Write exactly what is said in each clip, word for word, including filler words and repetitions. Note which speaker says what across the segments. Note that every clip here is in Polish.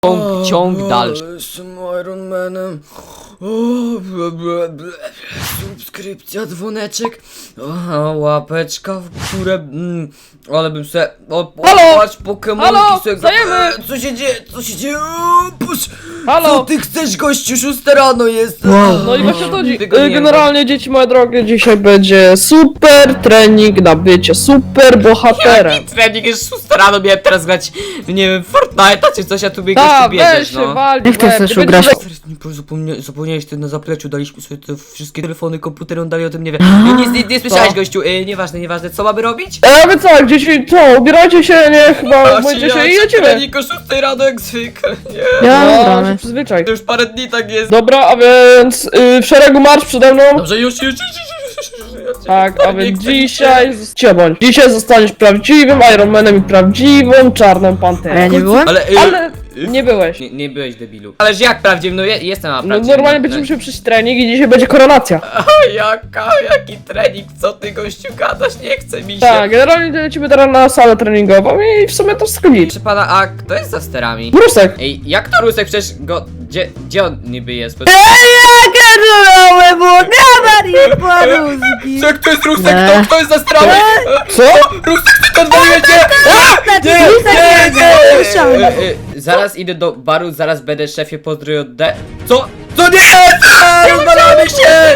Speaker 1: Ciąg, ciąg dalszy.
Speaker 2: Jestem Iron Manem. O, ble, ble, ble. Subskrypcja, dzwoneczek. O, łapeczka w górę. Mm, ale bym se. O,
Speaker 3: Halo?
Speaker 2: patrz, Pokemonki
Speaker 3: Halo?
Speaker 2: se.
Speaker 3: Wstajemy?
Speaker 2: E, Co się dzieje? Co się dzieje? O, pusz.
Speaker 3: Halo?
Speaker 2: Co ty chcesz, gościu? Szósta rano jest.
Speaker 3: No i właśnie to dzi-
Speaker 2: Tego nie
Speaker 3: y,
Speaker 2: ma.
Speaker 3: generalnie dzieci moje drogie, dzisiaj będzie super trening na bycie super bohaterem.
Speaker 1: Jaki trening jest szósta rano, miałem teraz grać, nie wiem, Fortnite'a czy coś, a tu biegasz,
Speaker 3: Ta,
Speaker 1: tu bierzesz,
Speaker 3: weź się,
Speaker 1: no.
Speaker 3: wal,
Speaker 4: Jak ty
Speaker 3: łeb,
Speaker 4: chcesz
Speaker 3: ty
Speaker 4: ugrać?
Speaker 3: będziesz-
Speaker 2: Teraz nie po- zapomnia, zapomniałeś, ty na zapleczu daliśmy sobie te wszystkie telefony, komputery, on dalej o tym nie wie. Nie, nie, nie, nie słyszałeś,
Speaker 3: Co?
Speaker 2: gościu, e, nieważne, nieważne, co mamy robić?
Speaker 3: E, wy co, dzieci, co, ubierajcie się, nie, chyba, myjcie się i jedziemy.
Speaker 2: Trening o szóstej rano jak zwykle, nie.
Speaker 4: Ja
Speaker 3: No, się
Speaker 4: ubrany.
Speaker 3: przyzwyczaj.
Speaker 2: To już parę dni tak jest.
Speaker 3: Dobra, a więc y, w szeregu marsz przede mną.
Speaker 2: Dobrze, już, już, już, już, już, już, już.
Speaker 3: Tak, a
Speaker 2: Nie
Speaker 3: więc
Speaker 2: chcę mi się.
Speaker 3: dzisiaj, cię bądź, dzisiaj zostaniesz prawdziwym Iron Manem i prawdziwą czarną
Speaker 4: A ja
Speaker 3: panterą.
Speaker 4: nie byłem?
Speaker 2: Ale, y,
Speaker 3: Ale nie byłeś.
Speaker 2: Nie, nie byłeś debilu. Ależ jak prawdziwy, no je, jestem na
Speaker 3: No
Speaker 2: prawdziwy.
Speaker 3: normalnie będziemy musieli przyjść trening i dzisiaj będzie koronacja.
Speaker 2: Jaka, jaki trening, co ty gościu gadasz, nie chce mi się.
Speaker 3: Tak, generalnie lecimy teraz na salę treningową i w sumie to skonić.
Speaker 2: Proszę pana, a kto jest za sterami?
Speaker 3: Brusek.
Speaker 2: Ej, jak to Rusek, przecież go, gdzie, gdzie on niby jest? Bo...
Speaker 4: Gadałem, bo gabarit poruzki.
Speaker 2: Jak to jest Rusek,
Speaker 4: Nie.
Speaker 2: kto, kto jest za sterami?
Speaker 3: Co?
Speaker 2: Rusek, ty to odwaliłeś, nie! Nie, nie, nie! E, e, Zaraz idę do baru, zaraz będę szefie pozdrowił od D. Co? Co nie? Eee, Rozwalamy się!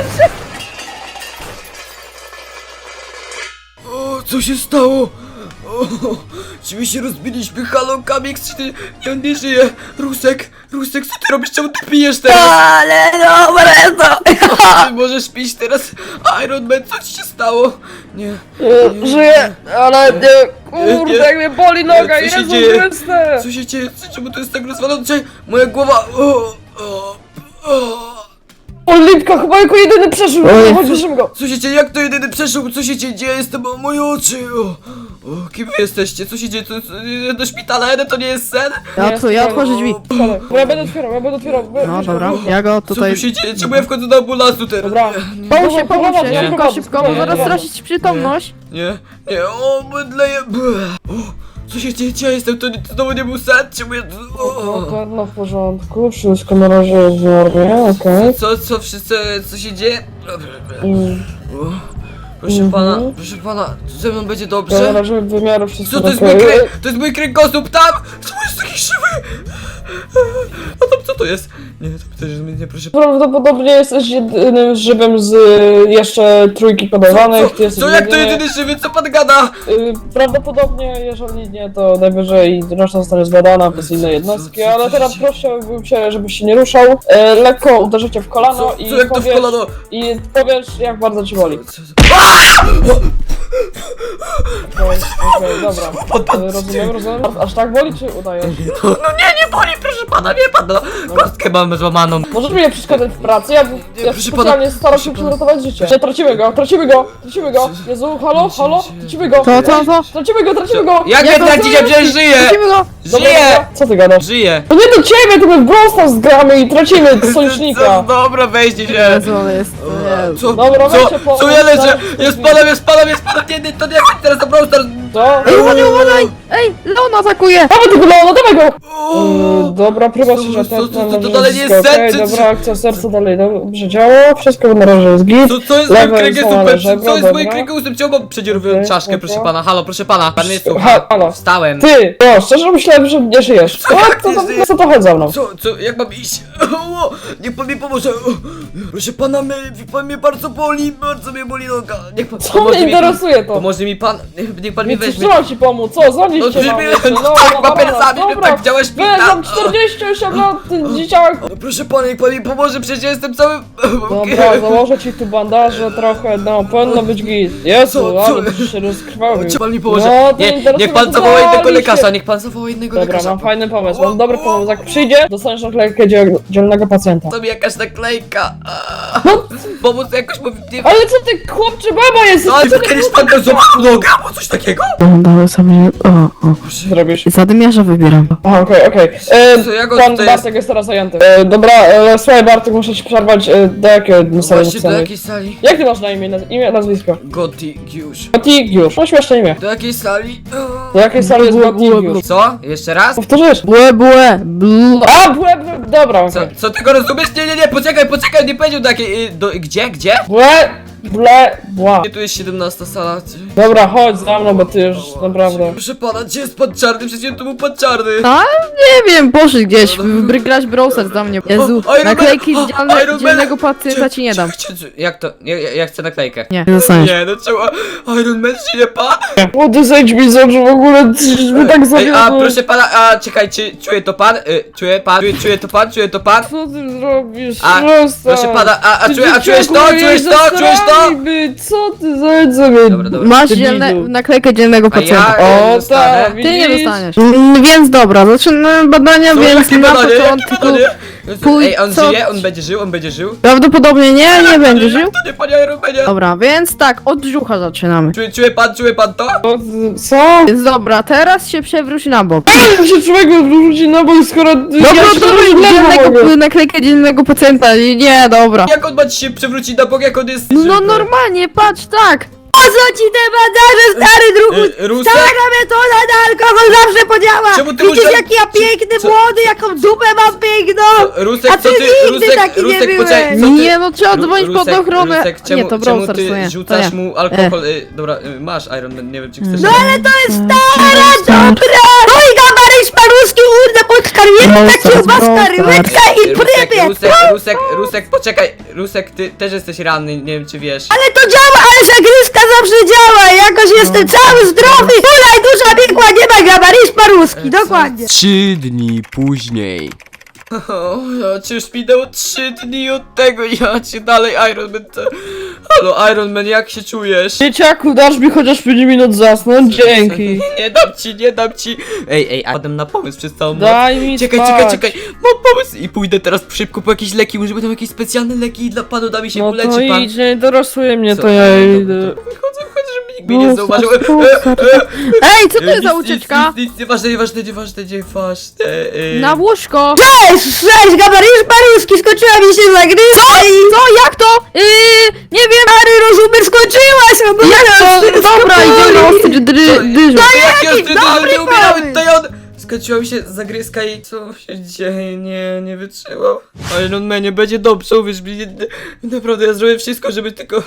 Speaker 2: O, co się stało? O, czy my się rozbiliśmy? Halo, Kamix, czy ty... Nie, on nie żyje. Rusek, Rusek, co ty robisz? Czemu ty pijesz teraz?
Speaker 4: Ale dobre to.
Speaker 2: Ty możesz pić teraz? Iron Man, co ci się stało? Nie.
Speaker 3: E, Żyję, ale nie, kurde,
Speaker 2: Nie.
Speaker 3: jak mnie boli noga,
Speaker 2: Co się
Speaker 3: Jezu
Speaker 2: dzieje?
Speaker 3: Chryste.
Speaker 2: Co się dzieje? Co- Czemu to jest tak rozwalone? Czekaj, moja głowa... O, o, o.
Speaker 3: Olipka chyba jako jedyny przeżył,
Speaker 4: Oj.
Speaker 3: chodźmy go.
Speaker 2: Co się dzieje? Jak to jedyny przeszedł? Co się dzieje? Jestem o moje oczy! O, o, kim wy jesteście? Co się dzieje? To, to, do szpitala jeden to nie jest sen?
Speaker 4: Ja, otw- ja otworzę drzwi.
Speaker 3: Dobra, bo ja będę otwierał, ja będę otwierał.
Speaker 4: No dobra, ja go
Speaker 2: Co
Speaker 4: tutaj...
Speaker 2: tu się dzieje? Czemu ja wchodzę do ambulansu teraz?
Speaker 3: Dobra.
Speaker 4: Pomóż się, pomóż
Speaker 3: Dobra,
Speaker 4: się,
Speaker 3: dobra,
Speaker 4: szybko, szybko, bo
Speaker 3: dobra,
Speaker 4: zaraz
Speaker 3: dobra.
Speaker 4: stracić przytomność.
Speaker 2: Nie, nie, o, mydleję. O, co się dzieje? Gdzie ja jestem? To, to znowu nie był sen? Czemu ja... O,
Speaker 3: No, no w porządku, wszystko na razie jest w normie, okej.
Speaker 2: co, co wszyscy, co się dzieje?
Speaker 3: Mm,
Speaker 2: O, proszę
Speaker 3: Mhm.
Speaker 2: pana, proszę pana, ze mną będzie
Speaker 3: Na
Speaker 2: dobrze?
Speaker 3: razie wymiaru wszystko
Speaker 2: Co to jest
Speaker 3: okej.
Speaker 2: mój krę... To jest mój kręgosłup tam! Co jest taki żywy? A tam co to jest? Nie, to też nie, proszę pana.
Speaker 3: Prawdopodobnie jesteś jedynym żywym z y, jeszcze trójki podawanych. Ty
Speaker 2: Co,
Speaker 3: jesteś
Speaker 2: co jak to
Speaker 3: jedyny-
Speaker 2: jedyny żywy? Co pan gada?
Speaker 3: Y, Prawdopodobnie, jeżeli nie, to najwyżej reszta zostanie zbadana przez inne jednostki,
Speaker 2: co- co
Speaker 3: ale
Speaker 2: się
Speaker 3: teraz
Speaker 2: dzieje?
Speaker 3: prosiłbym cię, żebyś się nie ruszał. E, lekko uderzycie w kolano
Speaker 2: Co,
Speaker 3: i
Speaker 2: co jak to w
Speaker 3: powiesz,
Speaker 2: kolano?
Speaker 3: i powiesz, jak bardzo ci boli.
Speaker 2: Co, co?
Speaker 3: Okej, okej, dobra. E, rozumiem, rozumiem. Aż tak boli, czy udajesz?
Speaker 2: No, no nie, nie boli, proszę pana, wie pan, no. Kostkę mam złamaną.
Speaker 3: Możesz mi nie przeszkadzać w pracy, ja, ja
Speaker 2: proszę
Speaker 3: specjalnie
Speaker 2: pana,
Speaker 3: staram się
Speaker 2: proszę pana.
Speaker 3: przyratować życie. Że tracimy go, tracimy go, tracimy go. Jezu, halo, halo, tracimy go.
Speaker 4: Co, co, co?
Speaker 3: Tracimy go, tracimy go.
Speaker 2: Jak
Speaker 4: Jak
Speaker 2: mnie
Speaker 4: to
Speaker 2: tracicie?
Speaker 4: co
Speaker 2: Przecież żyję!
Speaker 4: Lecimy go!
Speaker 3: Dobra,
Speaker 2: Żyję!
Speaker 3: dobra. Co ty gadasz?
Speaker 2: Żyję!
Speaker 3: To nie do ciebie, tylko w Brawl Stars gramy i tracimy
Speaker 2: Co,
Speaker 3: sojusznika.
Speaker 2: dobra, weźcie się!
Speaker 4: Jezu, on jest... Jezu.
Speaker 2: Co?
Speaker 3: Dobra,
Speaker 2: Co?
Speaker 3: weźcie po-
Speaker 2: Co ja leżę?
Speaker 3: zaraz-
Speaker 2: Jest panem, jest panem, jest panem! Nie, nie, to nie chodź teraz do Brawl Stars!
Speaker 3: Co?
Speaker 4: Ej, uważaj, uważaj! Ej, Leon atakuje!
Speaker 3: Dawaj tego Leona, dawaj go!
Speaker 2: O!
Speaker 3: Yy, dobra, próba
Speaker 2: Co-
Speaker 3: się,
Speaker 2: co-
Speaker 3: że
Speaker 2: co-
Speaker 3: ten
Speaker 2: co- to dalej nie jest
Speaker 3: okej,
Speaker 2: serce, czy-
Speaker 3: dobra, akcja serca dalej dobrze działa, wszystko na razie jest git.
Speaker 2: Co, co jest z moim
Speaker 3: Lewe
Speaker 2: kręgosłupem?
Speaker 3: złamane
Speaker 2: Co
Speaker 3: żebro,
Speaker 2: jest z moim
Speaker 3: dobra.
Speaker 2: kręgosłupem? Czemu mam przedzierowioną
Speaker 3: Okej,
Speaker 2: czaszkę,
Speaker 3: dobra.
Speaker 2: proszę pana? Halo, proszę pana, pan mnie słucha.
Speaker 3: Ha, halo.
Speaker 2: Wstałem.
Speaker 3: Ty! No, szczerze myślałem, że nie żyjesz.
Speaker 2: Co,
Speaker 3: Co,
Speaker 2: jak
Speaker 3: co,
Speaker 2: nie
Speaker 3: to,
Speaker 2: żyję?
Speaker 3: co to chodzi za mną?
Speaker 2: Co, co, jak mam iść? O, niech pan mi pomoże. O, proszę pana, mnie, pan mnie bardzo boli, bardzo mnie boli noga. Niech pan
Speaker 3: Co
Speaker 2: pomoże
Speaker 3: mnie
Speaker 2: mi-
Speaker 3: interesuje to?
Speaker 2: Pomoże mi pan, niech, niech pan mi
Speaker 3: Nic
Speaker 2: weźmie.
Speaker 3: trzeba ci pomóc, co? Dzwonić
Speaker 2: No
Speaker 3: cię
Speaker 2: przecież
Speaker 3: mam
Speaker 2: mnie-
Speaker 3: jeszcze,
Speaker 2: no
Speaker 3: no,
Speaker 2: tak,
Speaker 3: no,
Speaker 2: papierosami,
Speaker 3: dobra,
Speaker 2: że tak działa
Speaker 3: Weź,
Speaker 2: szpital.
Speaker 3: mam czterdzieści osiem lat, ty dzieciak.
Speaker 2: No, proszę pana, niech pan mi pomoże, przecież ja jestem cały...
Speaker 3: Dobra, założę ci tu bandaże trochę, no, powinno być git. Jezu,
Speaker 2: Co, co?
Speaker 3: ale byś się rozkrwawił.
Speaker 2: Czy pan mi pomoże?
Speaker 3: No, to
Speaker 2: nie,
Speaker 3: interesuje
Speaker 2: niech pan
Speaker 3: mnie,
Speaker 2: zawoła
Speaker 3: to
Speaker 2: innego
Speaker 3: dali
Speaker 2: lekarza,
Speaker 3: się.
Speaker 2: niech pan zawoła innego
Speaker 3: Dobra,
Speaker 2: lekarza.
Speaker 3: mam fajny pomysł, mam dobry pomysł. Jak przyjdzie, dostaniesz naklejkę dziel dzielnego pacjenta.
Speaker 2: To mi jakaś naklejka. A,
Speaker 3: No,
Speaker 2: Pomóc jakoś, bo... Nie...
Speaker 3: ale co ty, chłopcze, baba jest?
Speaker 2: No ale
Speaker 3: co ty,
Speaker 2: kiedyś pan go złamał nogę, albo coś takiego?
Speaker 4: No, dałem sobie... O, o.
Speaker 3: Zrobisz.
Speaker 4: Zadymiarza wybieram.
Speaker 3: Aha, okej, okej. E,
Speaker 2: Co, jak on
Speaker 3: Pan
Speaker 2: tutaj
Speaker 3: Bartek jest teraz zajęty. E, dobra, e, słuchaj Bartek, muszę ci przerwać. E, do jakiego
Speaker 2: No
Speaker 3: sali
Speaker 2: właśnie, do
Speaker 3: napisane?
Speaker 2: jakiej sali?
Speaker 3: Jak ty masz na imię, naz- imię, nazwisko?
Speaker 2: Gotigiusz.
Speaker 3: Gotigiusz, no śmieszne imię.
Speaker 2: Do jakiej sali?
Speaker 3: Do jakiej sali jest
Speaker 4: Błe, błe,
Speaker 3: Gotigiusz?
Speaker 2: Co? Jeszcze raz?
Speaker 3: Powtórzysz?
Speaker 4: Błe, błe, blu.
Speaker 3: A, błe, błe, dobra,
Speaker 2: Co,
Speaker 3: okej.
Speaker 2: co ty go rozumiesz? Nie, nie, nie, poczekaj, poczekaj, nie powiedział do jakiej... y, Do, gdzie, gdzie?
Speaker 3: Błe, ble, bła.
Speaker 2: Nie, tu jest siedemnasta sala. Czy-
Speaker 3: Dobra, chodź za mną, bo ty już naprawdę...
Speaker 2: Proszę pana, gdzie jest pan czarny? Przecież tu był pan czarny.
Speaker 4: A, nie wiem, poszedł gdzieś. Wygrać browser za mnie. Jezu,
Speaker 2: O, Iron Man!
Speaker 4: naklejki
Speaker 2: O,
Speaker 4: z dzielne,
Speaker 2: Iron Man!
Speaker 4: dzielnego pacjenta ci nie dam.
Speaker 2: Cie- cie- Jak to? Ja, ja, ja chcę naklejkę.
Speaker 4: Nie, nie dostaniesz.
Speaker 2: Nie, no czemu? Iron Man się nie pan?
Speaker 3: Młody, zejdź mi z oczu, w ogóle my tak
Speaker 2: Ej, a
Speaker 3: zawiodły.
Speaker 2: proszę pana, a czekaj, czy czuje to pan? Y, czuje pan? Czuje, czuje to pan? Czuje to pan?
Speaker 3: Co ty zrobisz?
Speaker 2: A,
Speaker 3: Przestań.
Speaker 2: proszę pana, a, a,
Speaker 3: Ty
Speaker 2: czuje, a czujesz to?
Speaker 3: dzieciaku,
Speaker 2: Czujesz
Speaker 3: jej
Speaker 2: to? Czujesz to?
Speaker 3: zasrani Być. Co ty zejdź sobie?
Speaker 2: Dobra, dobra.
Speaker 4: Masz
Speaker 3: debilu.
Speaker 4: dzielne, naklejkę dzielnego
Speaker 2: A
Speaker 4: pacjenta.
Speaker 2: ja
Speaker 3: O,
Speaker 2: y, dostanę.
Speaker 3: tak,
Speaker 4: Ty nie
Speaker 3: widzisz?
Speaker 4: dostaniesz. Mm, Więc dobra, zaczynamy badania,
Speaker 2: Co,
Speaker 4: więc
Speaker 2: jakie
Speaker 4: na
Speaker 2: badanie? Jakie
Speaker 4: początku...
Speaker 2: badanie?
Speaker 4: Pójdź,
Speaker 2: Ej, on
Speaker 4: co-
Speaker 2: żyje? On będzie żył? On będzie żył?
Speaker 4: Prawdopodobnie nie, nie będzie żył.
Speaker 2: To nie panie Iron Manie.
Speaker 4: Dobra, więc tak, od brzucha zaczynamy.
Speaker 2: Czuje, czuje pan, czuje pan to?
Speaker 3: Co? ty- Co?
Speaker 4: Więc dobra, teraz się przewróć na bok.
Speaker 3: Jak się człowiek wrzuci na bok, skoro ty-
Speaker 4: Dobra,
Speaker 3: ja się
Speaker 4: to
Speaker 3: nawet
Speaker 4: weź
Speaker 3: ledwo mogę.
Speaker 4: dzielnego, naklejkę dzielnego pacjenta. Nie, dobra.
Speaker 2: Jak on ma ci się przewrócić na bok, jak on jest...
Speaker 4: No
Speaker 2: żywy?
Speaker 4: normalnie, patrz, tak.
Speaker 5: Po co ci te bandaże, stary druhu?
Speaker 2: Y, Rusek?
Speaker 5: Stara metoda na alkohol zawsze podziała!
Speaker 2: Czemu ty
Speaker 5: Widzisz
Speaker 2: musiał-
Speaker 5: jaki ja piękny,
Speaker 2: co-
Speaker 5: młody, jaką dupę mam piękną!
Speaker 2: Rusek,
Speaker 5: A
Speaker 2: co
Speaker 5: ty
Speaker 2: ty,
Speaker 5: nigdy
Speaker 2: Rusek,
Speaker 5: taki nie
Speaker 2: Rusek,
Speaker 5: byłeś.
Speaker 2: poczekaj, co ty...
Speaker 4: Nie, no trzeba
Speaker 2: Ru-
Speaker 4: dzwonić pod
Speaker 2: Rusek,
Speaker 4: ochronę.
Speaker 2: Rusek, czemu,
Speaker 4: Nie, to
Speaker 2: czemu
Speaker 4: Browser,
Speaker 2: ty
Speaker 4: to nie.
Speaker 2: rzucasz
Speaker 4: to nie.
Speaker 2: mu alkohol? Y, dobra, y, masz Iron Man, nie wiem czy chcesz...
Speaker 5: No ale to jest stara dobra! Oj, gabaryś paruski, urde, pod karmienka,
Speaker 4: Browser,
Speaker 5: kiełbaska,
Speaker 4: Browser.
Speaker 5: rybeczka i
Speaker 2: Rusek,
Speaker 5: prybiec!
Speaker 2: Rusek, Rusek, Rusek, poczekaj, Rusek, ty też jesteś ranny, nie wiem czy wiesz.
Speaker 5: Ale to działa, ale zagryzka zawsze działa! Jakoś jestem cały zdrowy! Hulaj, duża biegła, nie ma gabaryś paruski, dokładnie!
Speaker 6: Trzy dni później.
Speaker 2: O, ja ci już minęło trzy dni od tego, ja cię dalej Iron Man... te- Halo Iron Man, jak się czujesz?
Speaker 3: Dzieciaku, dasz mi chociaż pięć minut zasnąć? Dzięki.
Speaker 2: Nie dam ci, nie dam ci. Ej, ej, a potem na pomysł przez całą noc.
Speaker 3: Daj mi
Speaker 2: Czekaj,
Speaker 3: spać.
Speaker 2: czekaj, czekaj, mam pomysł i pójdę teraz szybko po jakieś leki, może będą jakieś specjalne leki dla panu, da mi się
Speaker 3: No
Speaker 2: uleczy
Speaker 3: to
Speaker 2: pan.
Speaker 3: idź, nie interesuje mnie,
Speaker 2: Co?
Speaker 3: to ja
Speaker 2: Dobra,
Speaker 3: idę.
Speaker 2: to Wychodzę, wychodzę, żeby nikt mnie nie
Speaker 3: No,
Speaker 2: zauważył.
Speaker 3: proszę,
Speaker 2: E, e,
Speaker 4: Ej, co to
Speaker 2: e,
Speaker 4: jest za
Speaker 2: nic,
Speaker 4: ucieczka?
Speaker 2: Nic, nic, nic, nieważne, nieważne, nieważne, nieważne. e,
Speaker 4: Na łóżko.
Speaker 5: Cześć, cześć, gabaryś paruski, skończyła mi się zagryzka i...
Speaker 4: Co, jak to? Yy, nie wiem.
Speaker 5: Stary rozumiesz, skończyłaś! No bo
Speaker 4: Jak to?
Speaker 5: wszystko
Speaker 4: Dobra,
Speaker 5: boli.
Speaker 4: idziemy na ostry dry, dyżur.
Speaker 2: To jaki ostry dyżur,
Speaker 5: dobry
Speaker 2: nie umierałem,
Speaker 5: pomysł.
Speaker 2: tutaj on... Skończyła mi się zagryzka i co się dzieje, nie, nie wytrzymał. Iron Man, nie będzie dobrze, uwierz mi, nie, nie, naprawdę ja zrobię wszystko, żeby tylko...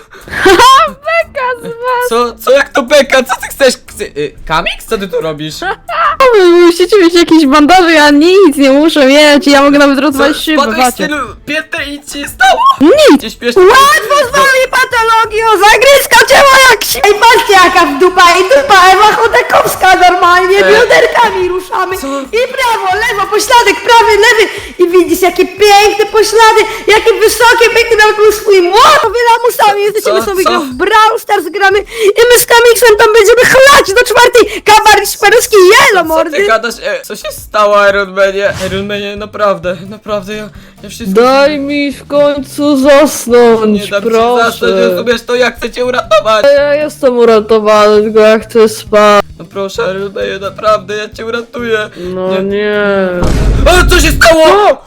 Speaker 4: Beka z was.
Speaker 2: Co, co, jak to beka, co ty chcesz? Chce, y, Kamix, co ty tu robisz?
Speaker 4: Wy musicie mieć jakieś bandaże, ja nic nie muszę mieć. Ja mogę nawet rozwalić szybę,
Speaker 2: Spadłeś z
Speaker 4: patrzcie.
Speaker 2: tylu pięter i nic ci nie stało?
Speaker 4: Nic.
Speaker 2: Cię śpiesznie...
Speaker 5: Łatwo z wami patologią, zagryzka ciała jak się... Ej, patrzcie jaka w dupa, i dupa Ewa Chodakowska normalnie,
Speaker 2: Ej.
Speaker 5: bioderkami ruszamy.
Speaker 2: Co?
Speaker 5: I prawo, lewo, pośladek, prawy, lewy. I widzisz jakie piękne poślady, jakie wysokie, piękne, nawet był swój młot. Wy lamusami jesteśmy
Speaker 2: Co?
Speaker 5: sobie
Speaker 2: Co?
Speaker 5: grać w Brawl Stars gramy i my z Kamixem tam będziemy chlać do czwartej. Kabaryś paruski jelo,
Speaker 2: Co ty
Speaker 5: mordy.
Speaker 2: gadasz? E, co się stało Iron Manie? Iron Manie, naprawdę, naprawdę, ja, ja wszystko...
Speaker 3: Daj mi w końcu zasnąć,
Speaker 2: Nie dam ci
Speaker 3: proszę.
Speaker 2: zasnąć, rozumiesz to, jak chcę cię uratować.
Speaker 3: Ja jestem uratowany, tylko ja chcę spać.
Speaker 2: No proszę Iron Manie, naprawdę, ja cię uratuję.
Speaker 3: No
Speaker 2: Nie.
Speaker 3: nie.
Speaker 2: O, co się stało?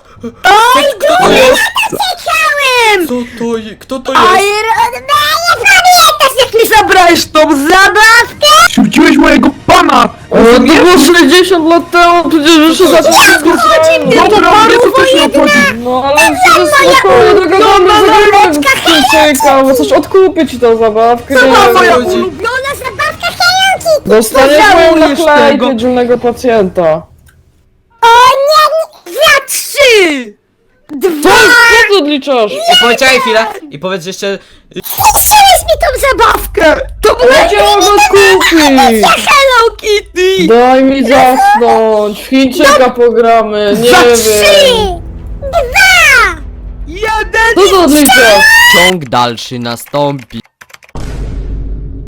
Speaker 5: Oj,
Speaker 2: Kto to jest?
Speaker 5: chciałem!
Speaker 2: Co to jest? Kto to jest?
Speaker 5: Iron Man, nie pamiętasz jak mi zabrałeś tą zabawkę?
Speaker 6: Rzuciłeś mojego pana!
Speaker 3: O, to było sześćdziesiąt lat temu, przecież jeszcze za to wszystko
Speaker 5: chodzi mnie?
Speaker 6: Dobra, mnie to też nie obchodzi!
Speaker 3: No ale przecież spokojnie dogadamy, zagramy Chińczyka, bo coś odkupię ci tą zabawkę.
Speaker 5: To była
Speaker 3: nie
Speaker 5: moja
Speaker 3: wiem.
Speaker 5: ulubiona zabawka Hello
Speaker 3: Dostaniesz
Speaker 5: No
Speaker 3: moją
Speaker 5: żałujesz
Speaker 3: naklejkę
Speaker 5: tego.
Speaker 3: dzielnego pacjenta.
Speaker 5: O nie, za trzy!
Speaker 3: Co,
Speaker 5: Dwa!
Speaker 3: co ty odliczasz?
Speaker 2: I poczekaj chwilę i powiedz jeszcze...
Speaker 5: Zniszczyłeś mi tą zabawkę! To była
Speaker 3: Ja cię mogę kupić!
Speaker 5: Hello Kitty!
Speaker 3: Daj mi zasnąć, w Chińczyka pogramy, nie
Speaker 5: Za
Speaker 3: wiem.
Speaker 5: trzy! Dwa! Jeden!
Speaker 3: Co ty odliczasz?
Speaker 6: Ciąg dalszy nastąpi.